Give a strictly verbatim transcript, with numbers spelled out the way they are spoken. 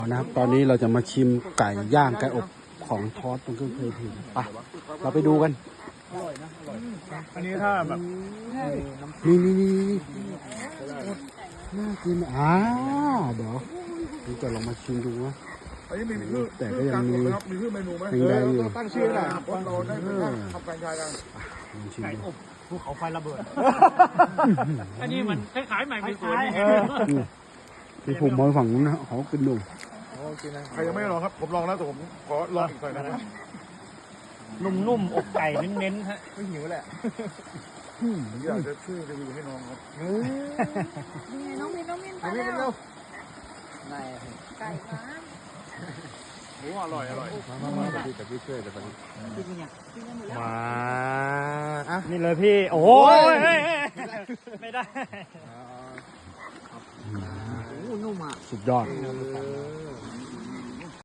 นะครับตอนนี้เราจะมาชิมไก่ย่างไก่อบของทอดตรงเครื่องเพลิงไปเราไปดูกันอันนี้ถ้าแบบนี่นี่นี่น่ากินอ่าเดี๋ยวเราจะลองมาชิมดูนะแต่ก็ยังมีมีชื่อเมนูไหมยังได้อยู่ตั้งชื่อแหละเราได้ทำแฟรนไชส์กันไก่อบภูเขาไฟระเบิดอันนี้มันคล้ายๆใหม่เป็นสวนที่ผมมองฝั่งนู้นนะเขากินดูใครยังไม่ลองครับผมลองแล้วแต่ผมขอลองอีกหน่อยนะนุ่มๆอกไก่เน้นๆฮะไม่หิวแหละอยากจะช่วยรีวิวให้น้องครับน้องมินน้องมินไปแล้วไก่ฟ้าโอ้อร่อยอร่อยมามามาพี่กับพี่ช่วยกันตอนนี้มาอ่ะนี่เลยพี่โอ้ยไม่ได้สุดยอด